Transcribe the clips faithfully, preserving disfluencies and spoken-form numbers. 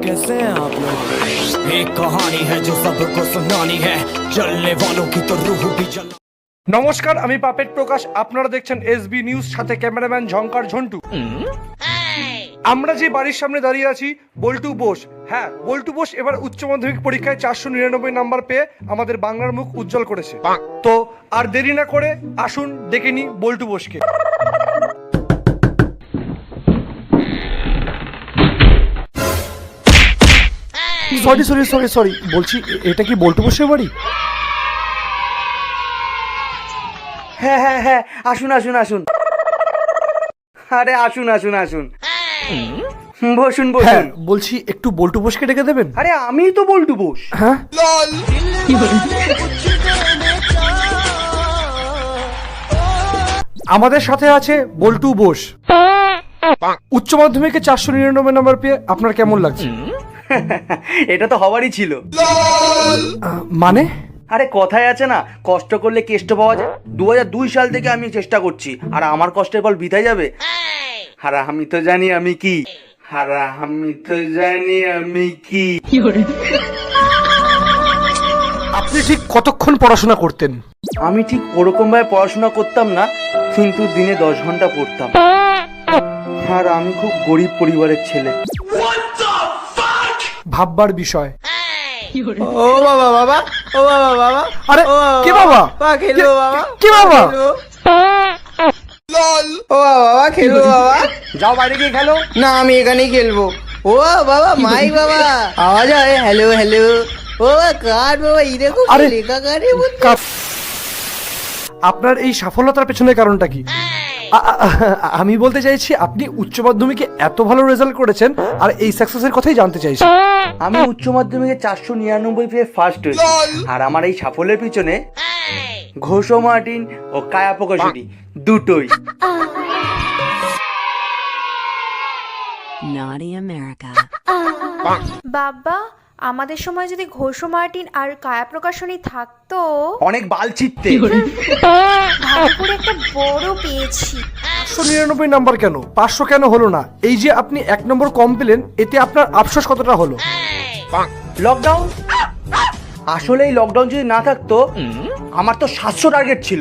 कैसे हैं आप लोग? एक कहानी है जो सबको सुनानी है, चलने वालों की तो रूह भी जला। নমস্কার, আমি পাপেট প্রকাশ। আপনারা দেখছেন এসবি নিউজ, সাথে ক্যামেরাম্যান ঝঙ্কার ঝন্টু। আমরা যে বাড়ির সামনে দাঁড়িয়ে আছি, বল্টু বোস। হ্যাঁ, বল্টু বোস এবার উচ্চ মাধ্যমিক পরীক্ষায় চারশো নিরানব্বই নাম্বার পেয়ে আমাদের বাংলার মুখ উজ্জ্বল করেছে। তো আর দেরি না করে আসুন ডেকে নি বল্টু বোসকে। সরি সরি সরি সরি বলছি, এটা কি বল্টু বোসের বাড়ি? হ্যাঁ হ্যাঁ হ্যাঁ, আসুন আসুন আসুন, আরে আসুন আসুন আসুন, বসুন হ্যাঁ, বসুন। বলছি একটু বল্টু বোসকে ডেকে দেবেন। আরে আমি তো বল্টু বোস। হ্যাঁ, আমাদের সাথে আছে বল্টু বোস। উচ্চ মাধ্যমিকে চারশো নিরানব্বই নম্বর পেয়ে আপনার কেমন লাগছে? এটা তো হওয়ারই ছিল। আহ, মানে আরে কথায় আছে না, কষ্ট করলে কেষ্ট পাওয়া যায়। দু হাজার দুই সাল থেকে আমি চেষ্টা করছি, আর আমার কষ্টের ফল বৃথায় যাবে? আর আমি তো জানি আমি কি, আর আমি তো জানি আমি কি। আপনি ঠিক কতক্ষণ পড়াশোনা করতেন? আমি ঠিক ওরকম ভাবে পড়াশোনা করতাম না, কিন্তু দিনে দশ ঘন্টা পড়তাম। আর আমি খুব গরিব পরিবারের ছেলে। ভাববার বিষয়। ও বাবা বাবা, ও বাবা বাবা, আরে ও বাবা, কে বাবা? বাবা খেলবো বাবা, কে বাবা? খেলবো। ও বাবা বাবা খেলবো বাবা। যাও বাইরে গিয়ে খেলো। না, আমি এখানেই খেলবো। ও বাবা মাই বাবা, আওয়াজ হয় হ্যালো হ্যালো। ও কার বাবা, এই দেখো আরে, লেখা কারে বলতে। কা- আপনার এই সফলতার পেছনে কারণটা কি? আ- আ- আ- আমি বলতে চাইছি, আপনি উচ্চ মাধ্যমিকে এত ভালো রেজাল্ট করেছেন, আর এই সাকসেসের কথাই জানতে চাইছি। আমি উচ্চ মাধ্যমিকে চারশো নিরানব্বই পেয়ে ফার্স্ট হয়েছি, আর আমার এই সাফল্যের পিছনে ঘোষ মার্টিন ও কায়া প্রকাশনী দুটোই। Naughty America. বাবা, আমাদের সময় যদি ঘোষ মার্টিন আর কায়া প্রকাশনী থাকতো, অনেক বাল ছিটতে। ভালো করে একটা বড় পেয়েছি। চারশো নিরানব্বই নাম্বার কেন, পাঁচশো কেন হলো না? এই যে আপনি এক নম্বর কম পেলেন, এতে আপনার আফসোস কতটা হলো? লকডাউন, আসলে এই লকডাউন যদি না থাকতো, আমার তো সাতশো টার্গেট ছিল।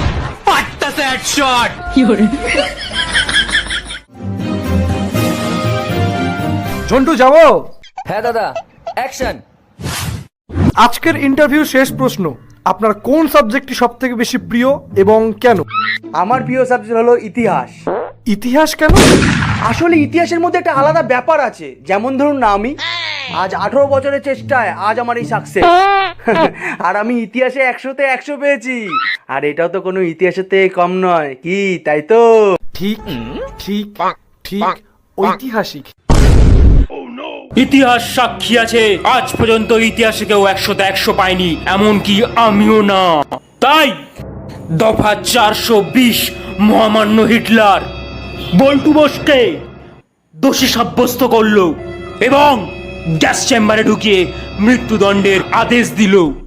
ঝন্টু, যাবো? হ্যাঁ দাদা, অ্যাকশন। আজকের ইন্টারভিউ শেষ প্রশ্ন, আপনার কোন সাবজেক্টটি সব থেকে বেশি প্রিয় এবং কেন? আমার প্রিয় সাবজেক্ট হলো ইতিহাস। ইতিহাস কেন? আসলে ইতিহাসের মধ্যে একটা আলাদা ব্যাপার আছে। যেমন ধরুন না, আমি আজ আঠারো বছরের চেষ্টায় আজ আমার এই সাকসেস। আর আমি ইতিহাসে একশোতে একশো পেয়েছি, আর এটাও তো কোনো ইতিহাসের থেকে কম নয় কি, তাই তো? ঠিক ঠিক ঠিক, ঐতিহাসিক। ইতিহাস সাক্ষী আছে, আজ পর্যন্ত ইতিহাসে কেউ একশোতে একশো পায়নি, এমনকি আমিও না। তাই দফা চারশো বিশ মহামান্য হিটলার বল্টু বোসকে দোষী সাব্যস্ত করলো এবং গ্যাস চেম্বারে ঢুকিয়ে মৃত্যুদণ্ডের আদেশ দিল।